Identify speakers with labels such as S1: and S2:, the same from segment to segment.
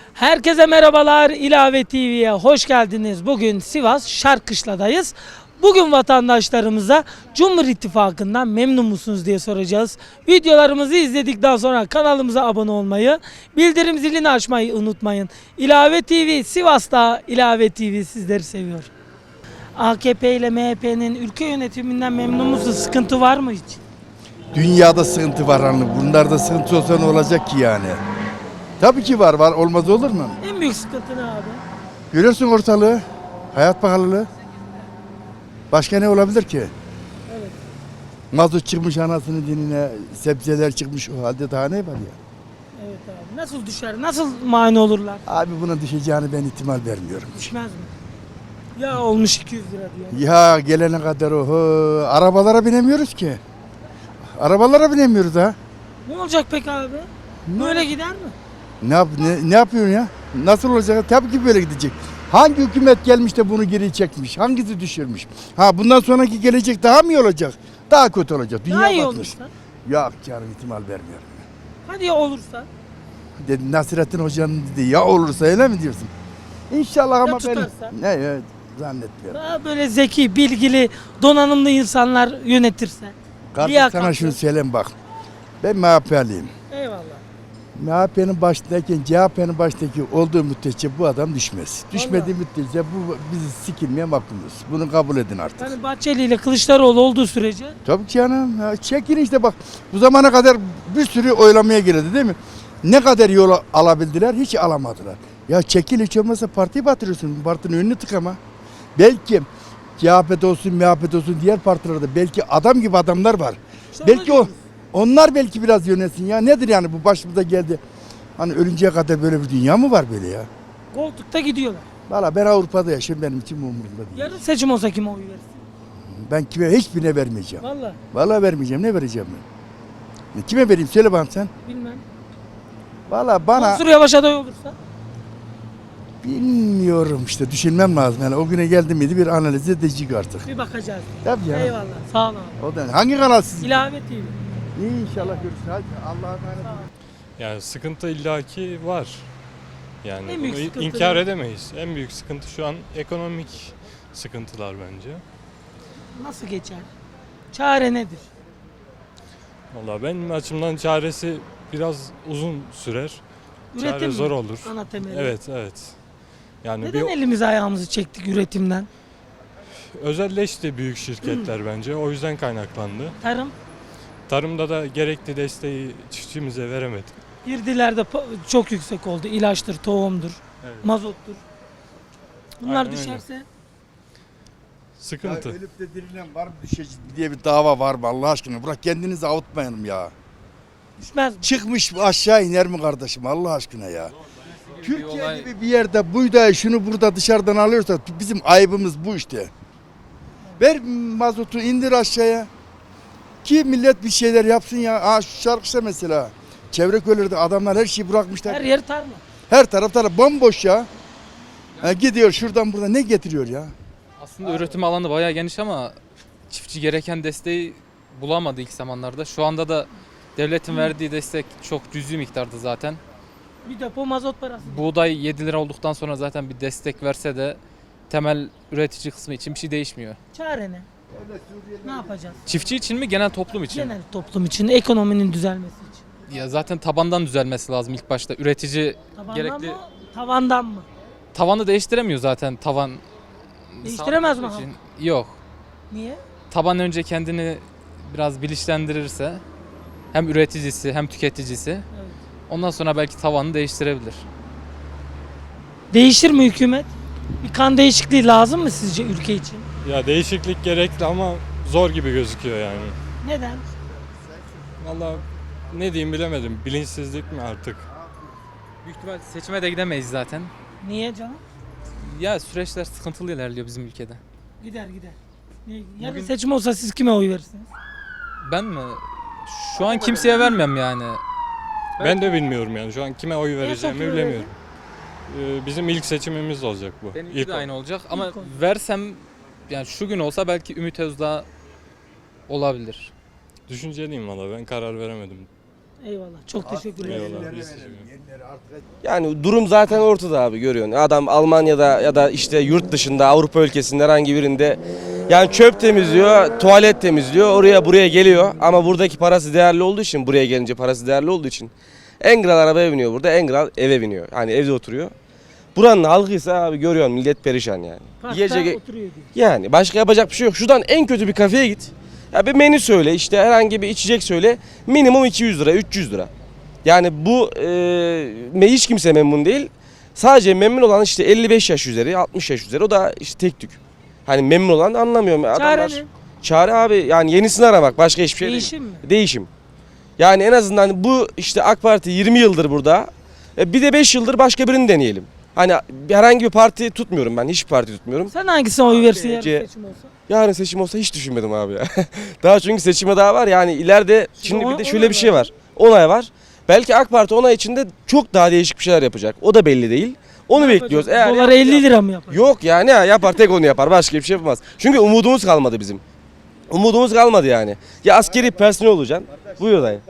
S1: Herkese merhabalar, İlave TV'ye hoş geldiniz. Bugün Sivas Şarkışla'dayız. Bugün vatandaşlarımıza Cumhur İttifakı'ndan memnun musunuz diye soracağız. Videolarımızı izledikten sonra kanalımıza abone olmayı, bildirim zilini açmayı unutmayın. İlave TV, Sivas'ta İlave TV sizleri seviyor. AKP ile MHP'nin ülke yönetiminden memnun musunuz? Sıkıntı var mı hiç?
S2: Dünyada sıkıntı var hani. Bunlarda sıkıntı olsa ne olacak ki yani? Tabii ki var. Olmaz olur mu?
S1: En büyük sıkıntı ne abi?
S2: Görüyorsun ortalığı. Hayat pahalılığı. Başka ne olabilir ki?
S1: Evet.
S2: Mazot çıkmış anasının dinine, sebzeler çıkmış o halde daha ne var ya?
S1: Evet abi. Nasıl düşer? Nasıl mani olurlar?
S2: Abi buna düşeceğini ben ihtimal vermiyorum.
S1: Düşmez mi? Ya olmuş 200 lira diyor.
S2: Ya gelene kadar arabalara binemiyoruz ki. Arabalara binemiyoruz ha.
S1: Ne olacak peki abi? Böyle gider mi?
S2: Ne yapıyorsun ya? Nasıl olacak? Tabii ki böyle gidecek. Hangi hükümet gelmiş de bunu geri çekmiş? Hangisi düşürmüş? Ha bundan sonraki gelecek daha mı iyi olacak? Daha kötü olacak. Dünya
S1: Daha iyi
S2: batmış.
S1: olursa.
S2: Yok canım ihtimal vermiyorum.
S1: Hadi ya olursa.
S2: Dedi Nasrettin Hoca'nın dedi ya olursa öyle mi diyorsun? İnşallah ama ben
S1: tutarsa?
S2: evet zannetmiyorum.
S1: Daha böyle zeki, bilgili, donanımlı insanlar yönetirse.
S2: Kardeş
S1: Liyakatli.
S2: sana şunu söyleyeyim bak. Ben MHP'liyim.
S1: Eyvallah.
S2: MHP'nin başındayken CHP'nin başındaki olduğu müddetçe bu adam düşmez. Düşmediği müddetçe bu bizi sikilmeye mahkumuz. Bunu kabul edin artık.
S1: Yani Bahçeli ile Kılıçdaroğlu olduğu sürece
S2: Tabii ki canım. Ya çekin işte bak. Bu zamana kadar bir sürü oylamaya girildi değil mi? Ne kadar yol alabildiler? Hiç alamadılar. Ya çekil hiç olmazsa partiyi batırıyorsun. Partinin önünü tıkama. Belki CHP'de olsun, MHP'de olsun diğer partilerde belki adam gibi adamlar var.
S1: İşte
S2: belki
S1: onu
S2: onlar belki biraz yönetsin ya. Nedir yani bu başımıza geldi? Hani ölünceye kadar böyle bir dünya mı var böyle ya?
S1: koltukta gidiyorlar.
S2: Valla ben Avrupa'da yaşıyorum benim için umurumda değil.
S1: Yarın seçim olsa kime oy verirsin?
S2: Ben kime hiçbirine vermeyeceğim.
S1: Vallahi
S2: Vallahi vermeyeceğim. Ne vereceğim ben? Kime vereyim? Söyle bana sen.
S1: bilmem.
S2: Valla bana
S1: Mansur Yavaş aday olursa?
S2: bilmiyorum işte düşünmem lazım. Yani o güne geldi miydi bir analiz edecek artık.
S1: Bir bakacağız.
S2: Tabii ya.
S1: Eyvallah. Sağ ol abi.
S2: O da hangi kanal siz?
S1: İlave TV.
S2: İnşallah görüşürüz. Hadi Allah'a emanet olun.
S3: Yani sıkıntı illaki var. Yani
S1: En büyük
S3: bunu
S1: sıkıntı
S3: inkar
S1: ne?
S3: edemeyiz. En büyük sıkıntı şu an ekonomik sıkıntılar bence.
S1: Nasıl geçer? Çare nedir?
S3: Vallahi benim açımdan çaresi biraz uzun sürer. Çare
S1: Üretim
S3: zor
S1: mi?
S3: olur.
S1: Ana temeli.
S3: Evet. Yani
S1: Neden elimizi ayağımızı çektik üretimden?
S3: özelleşti büyük şirketler bence. O yüzden kaynaklandı.
S1: Tarım,
S3: Tarımda da gerekli desteği çiftçimize veremedik.
S1: girdiler de çok yüksek oldu. İlaçtır, tohumdur,
S3: Evet.
S1: mazottur. Bunlar
S3: Aynen öyle.
S1: düşerse
S3: Sıkıntı.
S2: Ya ölüp de dirilen var mı düşecek diye bir dava var mı Allah aşkına? Bırak kendinizi avutmayalım ya.
S1: düşmez mi?
S2: Çıkmış aşağı iner mi kardeşim Allah aşkına ya? Türkiye gibi bir yerde buğdayı şunu burada dışarıdan alıyorsa bizim ayıbımız bu işte. Ver mazotu indir aşağıya. Ki millet bir şeyler yapsın ya. Aa şu şarkısa mesela. Çevre köylerde adamlar her şeyi bırakmışlar.
S1: Her yer tarla.
S2: Her tarafta bomboş ya. Ha, gidiyor şuradan buradan ne getiriyor ya?
S4: Aslında üretim alanı bayağı geniş ama çiftçi gereken desteği bulamadı ilk zamanlarda. Şu anda da devletin verdiği destek çok cüzi miktarda zaten.
S1: Bir depo mazot parası.
S4: Buğday 7 lira olduktan sonra zaten bir destek verse de temel üretici kısmı için bir şey değişmiyor.
S1: Çare ne? Ne yapacağız?
S4: Çiftçi için mi genel toplum için?
S1: Genel toplum için, ekonominin düzelmesi için.
S4: Ya zaten tabandan düzelmesi lazım ilk başta. Üretici
S1: Tabandan
S4: gerekli
S1: mı? Tavandan mı?
S4: tavanı değiştiremiyor zaten tavan.
S1: Değiştiremez mi
S4: sağlamak
S1: halk?
S4: için. Yok.
S1: Niye?
S4: Taban önce kendini biraz bilinçlendirirse hem üreticisi hem tüketicisi
S1: Evet.
S4: ondan sonra belki tavanı değiştirebilir.
S1: Değişir mi hükümet? Bir kan değişikliği lazım mı sizce ülke için?
S3: Ya değişiklik gerekli ama zor gibi gözüküyor yani.
S1: Neden?
S3: Vallahi ne diyeyim bilemedim. Bilinçsizlik mi artık?
S4: Büyük ihtimal seçime de gidemeyiz zaten.
S1: Niye canım?
S4: Ya süreçler sıkıntılı ilerliyor bizim ülkede.
S1: Gider. Yarın
S4: Bugün-
S1: seçim olsa siz kime oy verirsiniz?
S4: Ben mi? Şu an kimseye vermem yani.
S3: Ben de bilmiyorum yani. Şu an kime oy vereceğimi
S1: kime
S3: bilemiyorum. Bizim ilk seçimimiz olacak bu.
S4: Benimki
S3: İlk
S4: de aynı olacak ama
S1: İlk olacak.
S4: versem yani şu gün olsa belki Ümit Özdağ olabilir.
S3: Düşünceliyim valla ben karar veremedim.
S1: Eyvallah. Çok teşekkür ederim.
S3: Eyvallah. Biz teşekkür ederiz.
S5: Yani durum zaten ortada abi, görüyorsun. Adam Almanya'da ya da işte yurt dışında, Avrupa ülkesinde herhangi birinde yani çöp temizliyor, tuvalet temizliyor, oraya buraya geliyor. Ama buradaki parası değerli olduğu için, buraya gelince parası değerli olduğu için Engral arabaya biniyor burada, Engral eve biniyor. Yani evde oturuyor. Buranın halkıysa abi görüyorsun, millet perişan yani.
S1: Parkta
S5: Yiyecek,
S1: oturuyor diyor.
S5: yani başka yapacak bir şey yok. Şuradan en kötü bir kafeye git. Ya bir menü söyle, işte herhangi bir içecek söyle. Minimum 200 lira, 300 lira. Yani bu hiç kimse memnun değil. Sadece memnun olan işte 55 yaş üzeri, 60 yaş üzeri, o da işte tek tük. Hani memnun olan anlamıyorum.
S1: Çare ne?
S5: Çare abi yani yenisini aramak, başka hiçbir şey
S1: Değişim
S5: değil.
S1: mi?
S5: Değişim. Yani en azından bu işte AK Parti 20 yıldır burada. Bir de 5 yıldır başka birini deneyelim. Hani herhangi bir parti tutmuyorum ben, hiçbir parti tutmuyorum.
S1: Sen hangisine oy verirsin yarın
S5: C-
S1: seçim olsa?
S5: Yarın seçim olsa hiç düşünmedim abi ya. Daha çünkü seçime daha var yani ileride şimdi bir de şöyle bir şey var. Onay var. Belki AK Parti onay içinde çok daha değişik bir şeyler yapacak. O da belli değil. Onu bekliyoruz. Eğer
S1: Dolar 50 lira mı yapar?
S5: yok yani ya yapar, tek onu yapar. Başka bir şey yapamaz. Çünkü umudumuz kalmadı bizim. Umudumuz kalmadı yani. Ya askeri personel olacaksın. Buyur dayı.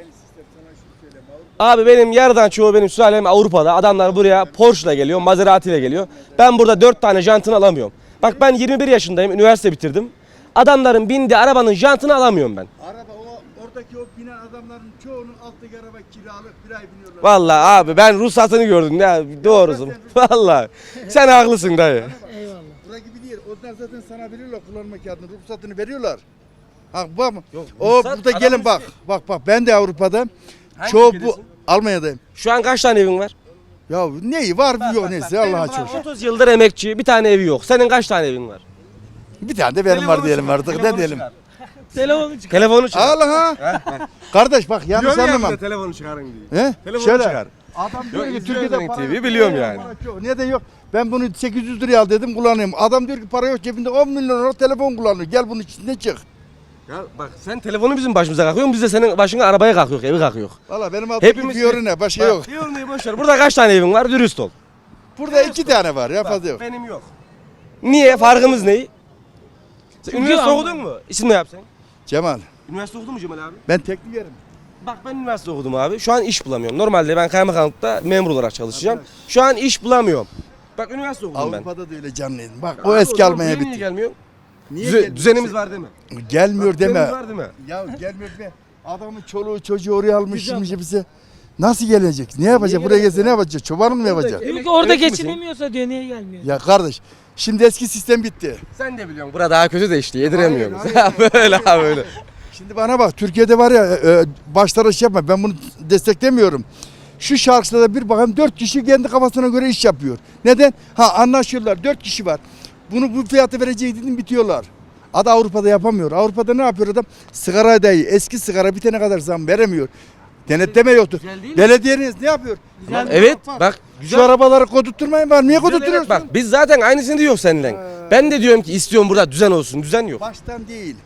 S5: Abi benim yarıdan çoğu benim sülalem Avrupa'da. Adamlar buraya Porsche'la geliyor, Maserati ile geliyor. Ben burada 4 tane jantını alamıyorum. Bak ben 21 yaşındayım, üniversite bitirdim. Adamların bindiği arabanın jantını alamıyorum ben.
S2: Araba oradaki o binen adamların çoğunun alttaki araba kiralık, bir ay biniyorlar.
S5: Vallahi abi ben ruhsatını gördüm ya, doğrusu. Vallahi sen haklısın dayı.
S1: Eyvallah.
S2: Bura gibi değil. Onlar zaten sana veriyorlar kullanma kağıdını, ruhsatını veriyorlar. Ha bak
S5: Yok,
S2: o
S5: ruhsat
S2: burada
S5: adamın
S2: gelin bak.
S5: isteği.
S2: Bak ben de Avrupa'da.
S5: Hangi
S2: Çoğu bu
S5: ülkedesin?
S2: Almanya'dayım.
S5: Şu an kaç tane evin var?
S2: Ya neyi var yok neyse Allah'a şükür.
S5: 30 yıldır emekçi, bir tane evi yok. Senin kaç tane evin var?
S2: Bir tane de benim var diyelim artık, ne diyelim.
S1: Telefonu çıkar.
S5: Telefonu çıkar.
S2: Allah ha. Kardeş bak yanlış anlamam.
S5: Telefonu çıkarın diye.
S2: He?
S5: Telefonu
S2: Şöyle.
S5: çıkar.
S2: Adam diyor ki
S5: izliyorum
S2: Türkiye'de
S5: Renk
S2: para
S5: TV'yi
S2: yok.
S5: biliyorum yani.
S2: Para yok. Neden yok? Ben bunu 800 liraya al dedim kullanayım. Adam diyor ki para yok cebinde 10 milyon lira telefon kullanıyor. Gel bunun içinde çık.
S5: Ya bak sen telefonu bizim başımıza kalkıyorsun, biz de senin başına arabaya kalkıyor, evi kalkıyor.
S2: Valla benim adım
S5: Hepimiz-
S2: Fiorina başka yok.
S5: Yormayı boş ver. Burada kaç tane evin var? Dürüst ol.
S2: Burada 2 tane var ya fazla yok.
S5: Benim yok. Niye? Farkımız ne? Sen
S1: Çünkü
S5: üniversite
S1: ama-
S5: okudun mu? İsim ne yapsan?
S2: Cemal
S5: Üniversite okudun mu Cemal abi?
S2: ben teknikerim.
S5: Bak ben üniversite okudum abi. Şu an iş bulamıyorum. Normalde ben kaymakamlıkta memur olarak çalışacağım. Şu an iş bulamıyorum. Bak üniversite okudum ben.
S2: Avrupa'da da öyle canlıydım. Bak
S5: Abi
S2: o eski
S5: zaman
S2: Almanya
S5: buraya Niye
S2: bitti.
S5: gelmiyor?
S2: Niye gelmiyor?
S5: Düzenimiz var değil mi?
S2: Gelmiyor deme.
S5: Düzenimiz var değil mi?
S2: Ya gelmiyor deme. Adamın çoluğu çocuğu oraya almış şimdi bize. Nasıl gelecek? Ne yapacak? Buraya gelse ne yapacak? Çobanlık mı yapacak?
S1: Diyor ki orada
S5: Emekli misin?
S1: geçinemiyorsa diyor niye gelmiyor?
S2: Ya kardeş şimdi eski sistem bitti.
S5: Sen de biliyorsun. Burada daha kötü de işte yediremiyoruz.
S2: Hayır,
S5: böyle abi böyle.
S2: Şimdi bana bak Türkiye'de var ya başlara iş yapma ben bunu desteklemiyorum. Şu şarkılarda bir bakayım 4 kişi kendi kafasına göre iş yapıyor. Neden? Ha anlaşıyorlar 4 kişi var. Bunu bu fiyatı verecek dedim bitiyorlar. Adı Avrupa'da yapamıyor. Avrupa'da ne yapıyor adam? Sigara dahi eski sigara bitene kadar zam veremiyor. Denetleme yoktu.
S5: Güzel değil mi?
S2: Belediyeniz ne yapıyor?
S1: Güzel.
S5: Evet bak
S2: Şu arabaları kodutturmayın var. Niye kodutturuyorsun?
S5: Bak biz zaten aynısını diyor senden. Ben de diyorum ki istiyorum burada düzen olsun. Düzen yok.
S2: Baştan değil.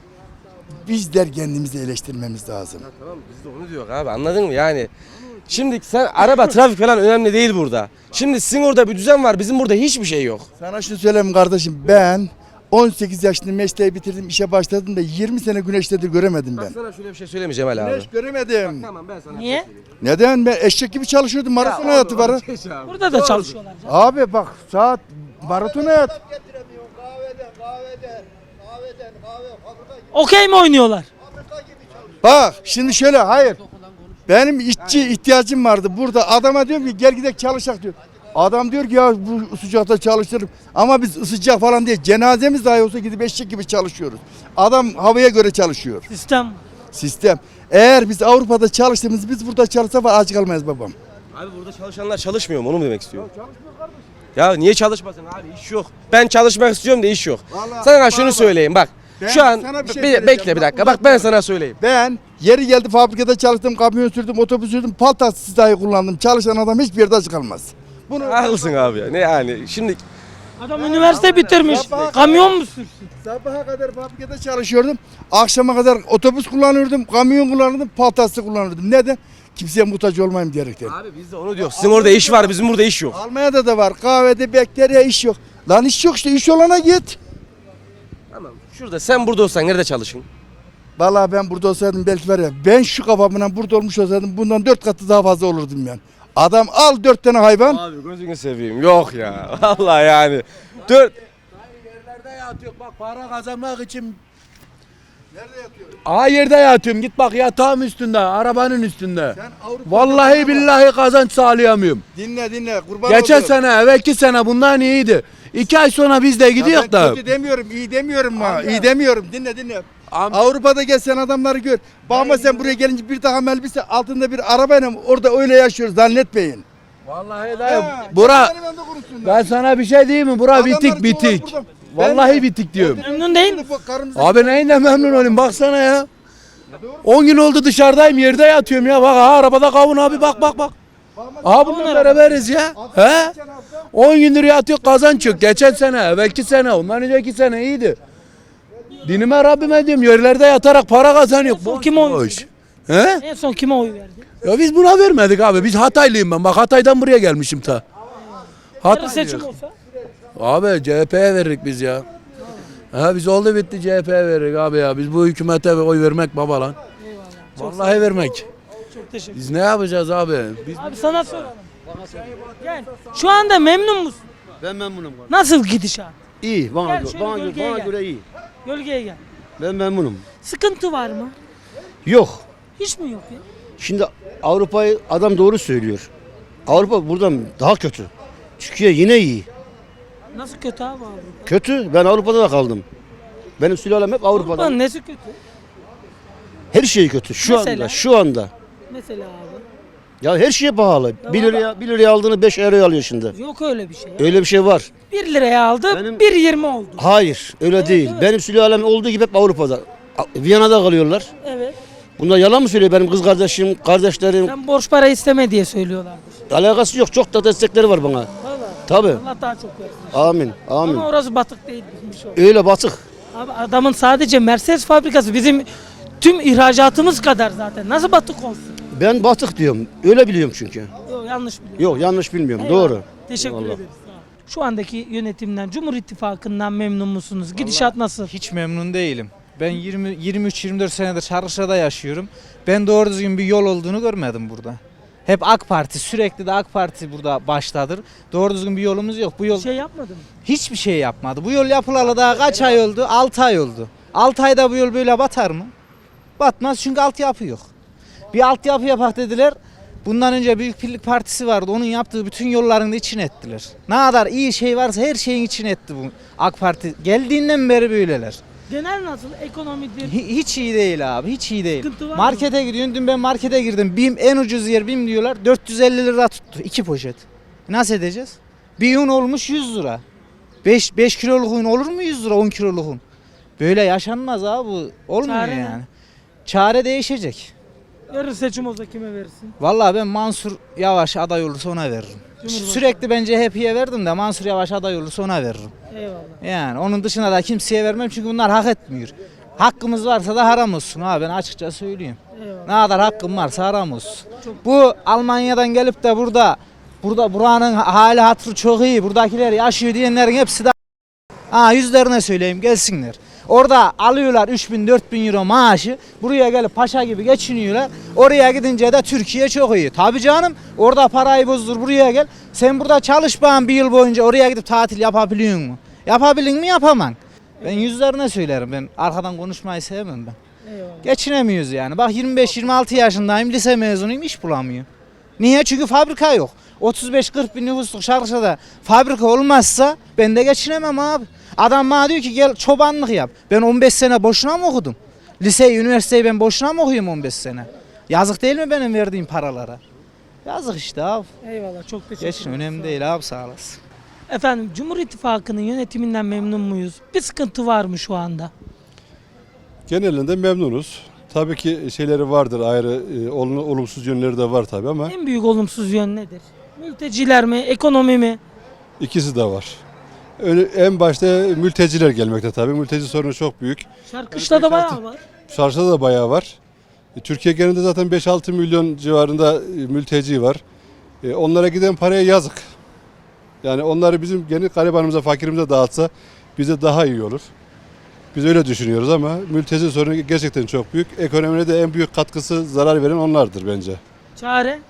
S2: Bizler kendimizi eleştirmemiz lazım.
S5: Tamam biz de onu diyor abi, anladın mı yani? Şimdi sen araba trafik falan önemli değil burada. Şimdi sizin orada bir düzen var, bizim burada hiçbir şey yok.
S2: Sana şunu söyleyeyim kardeşim ben 18 yaşında mesleği bitirdim işe başladım da 20 sene güneşleri göremedim ben.
S5: Sana şöyle bir şey söyleyeyim Cemal abi.
S2: Güneş göremedim.
S5: Tamam ben sana
S1: Niye?
S2: Neden? Ben eşek gibi çalışıyordum. Maraton hayatı var.
S1: Burada da çalışıyorlar. canım.
S2: Abi bak saat maraton hayat.
S1: Okey mi oynuyorlar?
S2: Bak şimdi şöyle hayır. Benim işçi ihtiyacım vardı burada. Adama diyorum ki gel gidelim çalışak diyor. Adam diyor ki ya bu sıcakta çalışırım. Ama biz sıcak falan değil. Cenazemiz dahi olsa gidip eşek gibi çalışıyoruz. Adam havaya göre çalışıyor.
S1: Sistem.
S2: Sistem. Eğer biz Avrupa'da çalıştığımız biz burada çalışsa var aç kalmayız babam.
S5: Abi burada çalışanlar çalışmıyor mu, onu mu demek istiyorum? Ya niye çalışmasın abi, iş yok. Ben çalışmak istiyorum da iş yok.
S2: Vallahi
S5: Sana şunu
S2: bak.
S5: söyleyeyim bak.
S2: Ben
S5: Şu an
S2: sana bir şey
S5: bekle
S2: söyleyeceğim.
S5: bir dakika.
S2: Bak,
S5: Bak ben sana söyleyeyim.
S2: Ben yeri geldi fabrikada çalıştım, kamyon sürdüm, otobüs sürdüm, paltaksız dahi kullandım. Çalışan adam hiçbir yerde aç kalmaz. Bunu
S5: Haklısın abi ya. Ne yani şimdi
S1: Adam üniversite bitirmiş.
S2: Sabaha
S1: Kamyon mu sürsün?
S2: sabaha kadar fabrikada çalışıyordum. Akşama kadar otobüs kullanıyordum, kamyon kullanıyordum, paltaksız kullanıyordum. Neden? Kimseye muhtaç olmayayım diyerekten.
S5: abi biz de onu diyoruz. Sizin orada iş var, bizim burada iş yok.
S2: Almanya'da da var. Kahvede bekler ya iş yok. Lan iş yok işte iş olana git.
S5: Tamam. Şurada sen burada olsan nerede çalışın?
S2: Vallahi ben burada olsaydım belki var ya, ben şu kafamla burada olmuş olsaydım bundan 4 katı daha fazla olurdum yani. Adam al 4 tane hayvan.
S5: Abi gözünü seveyim. Yok ya. Vallahi yani. 4
S6: Yerlerde yatıyor bak para kazanmak için. Nerede yatıyorum? Yerde yatıyorum. Git bak yatağım üstünde, arabanın üstünde. Vallahi billahi kazanç sağlayamıyorum.
S2: Dinle kurban
S6: Geçen
S2: olduğum.
S6: sene, evvelki sene bundan iyiydi. 2 ay sonra biz de
S2: Ya
S6: gidiyoruz
S2: ben
S6: da.
S2: kötü demiyorum, iyi demiyorum ha. İyi demiyorum. Dinle.
S6: Amca-
S2: Avrupa'da gel sen adamları gör. Bakma sen buraya gelince bir takım elbise altında bir arabayla orada öyle yaşıyoruz zannetmeyin.
S6: Vallahi dayı.
S2: Ha,
S6: Bura
S2: benim yanımda konuşsunlar.
S6: ben sana bir şey diyeyim mi? Bura
S2: Adamlar
S6: bitik bitik.
S2: burada.
S6: Vallahi
S2: Ben-
S6: bitik diyorum.
S1: Memnun değil mi?
S6: Abi neyinden memnun olayım baksana ya. 10 gün oldu dışarıdayım yerde yatıyorum ya. Bak arabada kavun abi bak. Aha bununla beraberiz ya. He? 10 gündür yatıyor kazanç yok. Geçen sene, evvelki sene, ondan önceki sene iyiydi. Dinime Rabbime diyorum yerlerde yatarak para kazanıyor.
S1: En son kime oy
S6: Boş. He?
S1: En son kime oy verdi?
S6: Ya biz buna vermedik abi. Biz Hataylıyım ben. Bak Hatay'dan buraya gelmişim ta.
S1: Yarın
S6: Hatay
S1: seçim
S6: diyor.
S1: olsa.
S6: Abi CHP'ye veririk biz ya. Ha biz oldu bitti CHP'ye veririk abi ya. Biz bu hükümete oy vermek baba lan. Vallahi vermek.
S1: Çok teşekkür ederim.
S6: Biz ne yapacağız abi? Biz
S1: Abi sana soralım. Gel. Şu anda memnun musun?
S7: Ben memnunum.
S1: Nasıl gidişat?
S7: İyi, bana,
S1: Gel şöyle
S7: bana,
S1: gölgeye
S7: bana
S1: gel.
S7: göre iyi.
S1: Gölgeye gel.
S7: Ben memnunum.
S1: Sıkıntı var mı?
S7: Yok.
S1: Hiç mi yok ya?
S7: Şimdi Avrupa'yı adam doğru söylüyor. Avrupa buradan daha kötü. Türkiye yine iyi.
S1: Nasıl kötü abi Avrupa?
S7: Kötü. Ben Avrupa'da da kaldım. Benim sülalem hep Avrupa'da.
S1: Avrupa'nın nesi kötü?
S7: Her şey kötü.
S1: Mesela?
S7: Şu anda.
S1: Mesela abi.
S7: Ya her şey pahalı.
S1: Ya
S7: 1 liraya aldığını 5 euroya alıyor şimdi.
S1: Yok öyle bir şey.
S7: Öyle bir şey var.
S1: 1 liraya aldı,
S7: Benim-
S1: 1.20 oldu.
S7: Hayır, öyle değil.
S1: evet.
S7: Benim sülalem olduğu gibi hep Avrupa'da. Viyana'da kalıyorlar.
S1: Evet.
S7: Bunlar yalan mı söylüyor benim kız kardeşim, kardeşlerim?
S1: Sen borç para isteme diye söylüyorlardır.
S7: Alakası yok. Çok da destekleri var bana.
S1: Vallahi.
S7: Tabii.
S1: Allah daha çok versin.
S7: Amin. Amin.
S1: Ama orası batık değil bizim şey oldu.
S7: Öyle batık.
S1: Abi adamın sadece Mercedes fabrikası bizim tüm ihracatımız kadar zaten. Nasıl batık olsun?
S7: Ben batık diyorum. Öyle biliyorum çünkü.
S1: Yok yanlış biliyorum.
S7: Yok yanlış bilmiyorum.
S1: Eyvallah.
S7: Doğru.
S1: Teşekkür
S7: Eyvallah.
S1: ederiz. Sağ olun. Şu andaki yönetimden, Cumhur İttifakı'ndan memnun musunuz? Gidişat nasıl?
S8: Hiç memnun değilim. Ben 23-24 senedir Şarkışla'da yaşıyorum. Ben doğru düzgün bir yol olduğunu görmedim burada. Hep AK Parti, sürekli de AK Parti burada baştadır. Doğru düzgün bir yolumuz yok. Bu yol
S1: Bir şey yapmadı mı?
S8: hiçbir şey yapmadı. Bu yol yapılalı daha kaç ay oldu? 6 ay oldu. 6 ayda bu yol böyle batar mı? Batmaz çünkü altyapı yok. Bir altyapı yapak dediler. Bundan önce Büyük Birlik Partisi vardı. Onun yaptığı bütün yolların da içine ettiler. Ne kadar iyi şey varsa her şeyin içine etti bu AK Parti. Geldiğinden beri böyleler.
S1: Genel nasıl? Ekonomidir.
S8: Hiç iyi değil abi, hiç iyi değil.
S1: Sıkıntı var mı?
S8: Markete gidiyorsun, dün ben markete girdim. BİM en ucuz yer BİM diyorlar. 450 lira tuttu 2 poşet. Nasıl edeceğiz? Bir un olmuş 100 lira. 5 kiloluk un olur mu 100 lira 10 kiloluk un? Böyle yaşanmaz abi, bu olmuyor
S1: Çare ne?
S8: yani. Çare değişecek.
S1: Yarın seçim olsa kime verirsin?
S8: Vallahi ben Mansur Yavaş aday olursa ona veririm.
S1: Cumhurbaşkanı.
S8: Sürekli ben CHP'ye verdim de Mansur Yavaş aday olursa ona veririm.
S1: Eyvallah.
S8: Yani onun dışında da kimseye vermem çünkü bunlar hak etmiyor. Hakkımız varsa da haram olsun abi, ben açıkça söyleyeyim.
S1: Eyvallah.
S8: Ne kadar hakkım varsa haram olsun. Bu Almanya'dan gelip de buranın hali hatırı çok iyi, buradakiler yaşıyor diyenlerin hepsi de yüzlerine söyleyeyim gelsinler. Orada alıyorlar 3000-4000 euro maaşı, buraya gelip paşa gibi geçiniyorlar. Oraya gidince de Türkiye çok iyi. Tabii canım, orada parayı bozdur buraya gel. Sen burada çalış bana bir yıl boyunca, oraya gidip tatil yapabiliyor mu? Yapabilin mi yapamam. Ben yüzlerine söylerim, ben arkadan konuşmayı sevmem ben.
S1: Eyvallah.
S8: Geçinemiyoruz yani. Bak 25-26 yaşındayım, lise mezunuyum, iş bulamıyorum. Niye? Çünkü fabrika yok. 35-40 bin nüfusluk Şarkışla'da fabrika olmazsa ben de geçinemem abi. Adam bana diyor ki gel çobanlık yap. Ben 15 sene boşuna mı okudum? Liseyi, üniversiteyi ben boşuna mı okuyayım 15 sene? Yazık değil mi benim verdiğim paralara? Yazık işte abi.
S1: Eyvallah. Çok teşekkür
S8: Geçin, önemli değil abi, sağ olasın.
S1: Efendim Cumhur İttifakı'nın yönetiminden memnun muyuz? Bir sıkıntı var mı şu anda?
S9: Genelinde memnunuz. Tabii ki şeyleri vardır, ayrı olumsuz yönleri de var tabii ama
S1: En büyük olumsuz yön nedir? Mülteciler mi, ekonomi mi?
S9: ikisi de var. En başta mülteciler gelmekte tabii. Mülteci sorunu çok büyük.
S1: Şarkışla'da bayağı var.
S9: Şarjda da bayağı var. Türkiye genelinde zaten 5-6 milyon civarında mülteci var. Onlara giden paraya yazık. Yani onları bizim gene garibanımıza, fakirimize dağıtsa bize daha iyi olur. Biz öyle düşünüyoruz ama mülteci sorunu gerçekten çok büyük. Ekonomiye de en büyük katkısı, zarar veren onlardır bence.
S1: Çare?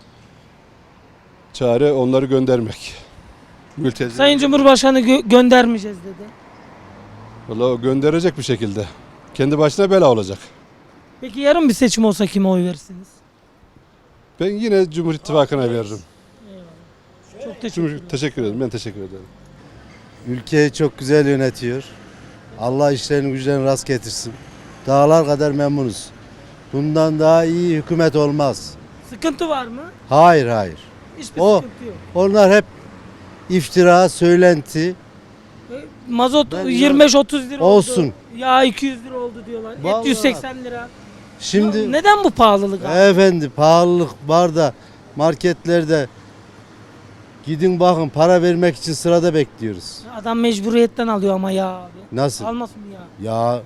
S9: Çare onları göndermek. Mülteci.
S1: Sayın Cumhurbaşkanı göndermeyeceğiz dedi.
S9: Vallahi o gönderecek bir şekilde. Kendi başına bela olacak.
S1: Peki yarın bir seçim olsa kime oy verirsiniz?
S9: Ben yine Cumhur İttifakı'na veririm.
S1: Çok teşekkür
S9: Teşekkür ederim. Ben teşekkür ederim.
S7: Ülkeyi çok güzel yönetiyor. Allah işlerini güçlerini rast getirsin. Dağlar kadar memnunuz. Bundan daha iyi hükümet olmaz.
S1: Sıkıntı var mı?
S7: Hayır hayır.
S1: Hiçbir
S7: O-
S1: sıkıntı yok.
S7: Onlar hep iftira, söylenti.
S1: Mazot
S7: Ben
S1: 25-30 lira
S7: olsun.
S1: oldu. Yağ 200 lira oldu diyorlar. Et
S7: Vallahi.
S1: 180 lira.
S7: Şimdi
S1: Neden bu pahalılık abi?
S7: efendi pahalılık var da marketlerde gidin bakın para vermek için sırada bekliyoruz.
S1: Adam mecburiyetten alıyor ama ya abi.
S7: Nasıl?
S1: Almasın mı ya?
S7: Ya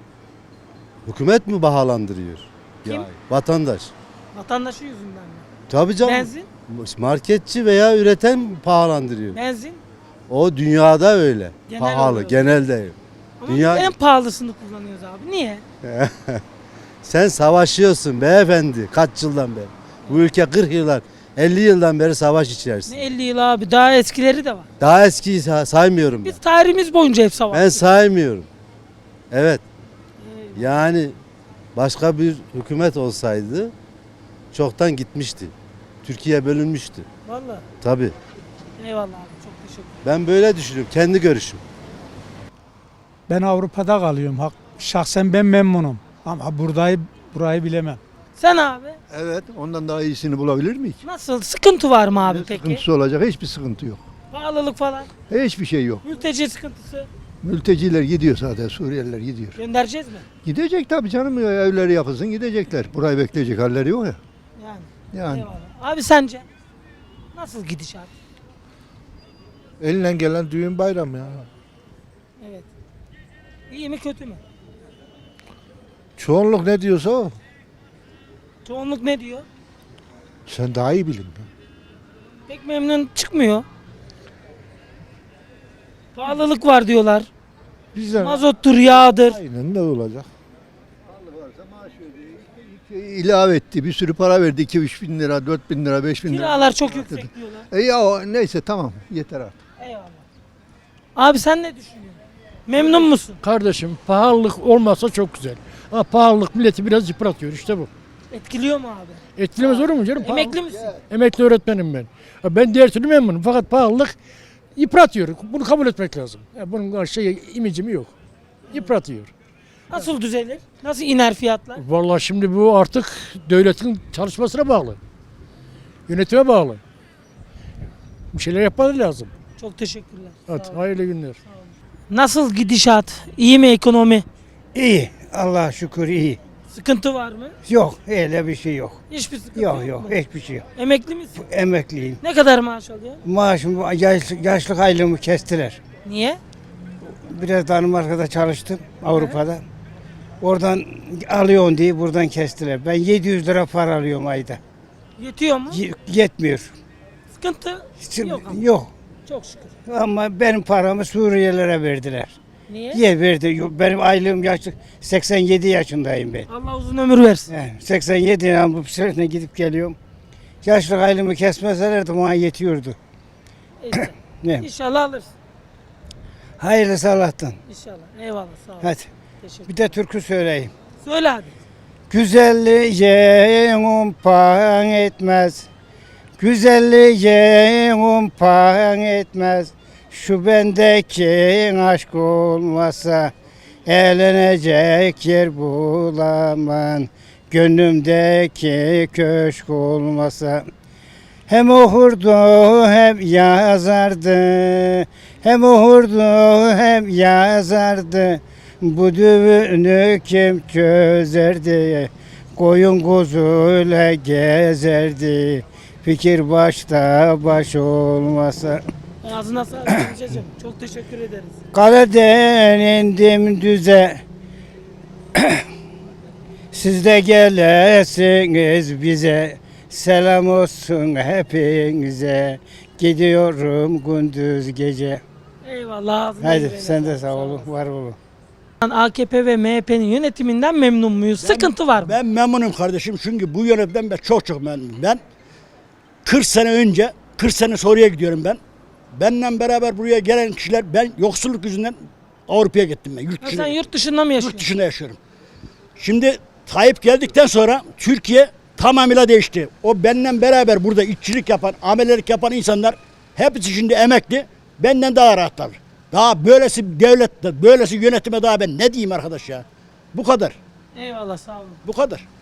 S7: hükümet mi bahalandırıyor?
S1: Kim?
S7: Ya, vatandaş.
S1: Vatandaşı yüzünden mi?
S7: Tabii canım.
S1: Benzin?
S7: Marketçi veya üreten pahalandırıyor.
S1: Benzin?
S7: O dünyada öyle.
S1: Genel
S7: Pahalı
S1: olarak.
S7: genelde.
S1: Ama
S7: Dünya-
S1: biz en pahalısını kullanıyoruz abi. Niye?
S7: Sen savaşıyorsun beyefendi kaç yıldan beri. Bu ülke 40 yıldan 50 yıldan beri savaş içerisinde.
S1: Ne 50 yıl abi. Daha eskileri de var.
S7: Daha eskiyi saymıyorum ben.
S1: Biz tarihimiz boyunca hep savaştık.
S7: Ben saymıyorum. Evet. Yani başka bir hükümet olsaydı çoktan gitmişti. Türkiye bölünmüştü.
S1: Vallahi.
S7: Tabii.
S1: Eyvallah abi. Çok teşekkür ederim.
S7: Ben böyle düşünüyorum. Kendi görüşüm.
S10: Ben Avrupa'da kalıyorum. Şahsen ben memnunum. Ama burayı bilemem.
S1: Sen abi
S11: Evet, ondan daha iyisini bulabilir miyik?
S1: nasıl? Sıkıntı var mı abi
S11: Ne
S1: peki?
S11: sıkıntısı olacak? Hiçbir sıkıntı yok.
S1: Pahalılık falan.
S11: Hiçbir şey yok.
S1: Mülteci sıkıntısı.
S11: Mülteciler gidiyor zaten, Suriyeliler gidiyor.
S1: Göndereceğiz mi?
S11: Gidecek tabii canım ya, evleri yapılsın gidecekler. Burayı bekleyecek halleri yok ya.
S1: Yani.
S11: Yani
S1: Eyvallah. Abi sence? Nasıl gidişat?
S6: Elinden gelen düğün bayram ya.
S1: Evet. İyi mi kötü mü?
S6: Çoğunluk ne diyorsa o.
S1: Çoğunluk ne diyor?
S6: Sen daha iyi bilin.
S1: Pek memnun çıkmıyor. Pahalılık var diyorlar.
S6: Bizden
S1: Mazottur, yağdır.
S6: aynen ne olacak?
S11: ilave etti, bir sürü para verdi. 2-3 bin lira, 4 bin lira, 5 bin lira.
S1: Kiralar çok yüksek diyorlar.
S11: Ya neyse tamam, yeter artık.
S1: Eyvallah. Abi sen ne düşünüyorsun? Memnun musun?
S10: Kardeşim pahalılık olmasa çok güzel. Ama pahalılık milleti biraz yıpratıyor işte bu.
S1: Etkiliyor mu abi?
S10: Etkilemez olur mu canım?
S1: Emekli misin?
S10: Emekli öğretmenim ben. Ben diğer türlü memnunum fakat pahalılık yıpratıyor. Bunu kabul etmek lazım. Bunun imicimi yok. Yıpratıyor.
S1: Nasıl düzelir? Nasıl iner fiyatlar?
S10: Vallahi şimdi bu artık devletin çalışmasına bağlı. Yönetime bağlı. Bir şeyler yapmaları lazım.
S1: Çok teşekkürler.
S10: Evet,
S1: Sağ olun.
S10: hayırlı günler.
S1: Nasıl gidişat? İyi mi ekonomi?
S12: İyi. Allah'a şükür iyi.
S1: Sıkıntı var mı?
S12: Yok. Öyle bir şey yok.
S1: Hiçbir sıkıntı
S12: Yok
S1: yok
S12: yok.
S1: mu?
S12: Hiçbir şey yok.
S1: Emekli misin?
S12: Emekliyim.
S1: Ne kadar maaş alıyor?
S12: Maaşım yaşlık aylığımı kestiler.
S1: Niye?
S12: Biraz Danimarka'da çalıştım. Avrupa'da. Oradan alıyorsun diye buradan kestiler. Ben 700 lira para alıyorum ayda.
S1: Yetiyor mu?
S12: Yetmiyor.
S1: Sıkıntı yok ama.
S12: Yok.
S1: Çok şükür.
S12: Ama benim paramı Suriyelilere verdiler.
S1: Niye?
S12: Niye verdi? Benim aylığım yaşlı. 87 yaşındayım ben.
S1: Allah uzun ömür versin.
S12: Yani 87 yani bu sene gidip geliyorum. Yaşlık aylığımı kesmeselerdi bana yetiyordu.
S1: İşte.
S12: Ne?
S1: İnşallah alırsın.
S12: Hayırlısı Allah'tan.
S1: İnşallah. Eyvallah sağ ol.
S12: Hadi.
S1: Teşekkür.
S12: Bir de türkü söyleyeyim.
S1: Söyle hadi.
S12: Güzelliğin umpan etmez. Güzelliğin umpan etmez. Şu bendeki aşk olmasa eğlenecek yer bulamam. Gönlümdeki köşk olmasa. Hem okurdu hem yazardı. Hem okurdu hem yazardı. Bu düğünü kim çözerdi? Koyun kuzuyla gezerdi. Fikir başta baş olmasa.
S1: Ağzına sağlık amcacığım. Çok teşekkür ederiz.
S12: Kaleden indim düze. Siz de gelesiniz bize. Selam olsun hepinize. Gidiyorum gündüz gece.
S1: Eyvallah. Ağzına
S12: Haydi
S1: yüreğine
S12: sen de
S1: sağlık.
S12: sağ olun, var olun.
S1: AKP ve MHP'nin yönetiminden memnun muyuz? Sıkıntı var mı?
S11: Ben memnunum kardeşim çünkü bu yönetimden ben çok memnunum. Ben 40 sene önce, 40 sene sonraya gidiyorum ben. Benimle beraber buraya gelen kişiler, ben yoksulluk yüzünden Avrupa'ya gittim ben. Yurt
S1: Ha,
S11: dışına,
S1: sen yurt dışında mı yaşıyorsun?
S11: yurt dışında yaşıyorum. Şimdi Tayyip geldikten sonra Türkiye tamamıyla değişti. O benimle beraber burada işçilik yapan, amelelik yapan insanlar hepsi şimdi emekli. Benden daha rahatlar. Daha böylesi devlette, böylesi yönetime daha ben ne diyeyim arkadaş ya? Bu kadar.
S1: Eyvallah, sağ olun.
S11: Bu kadar.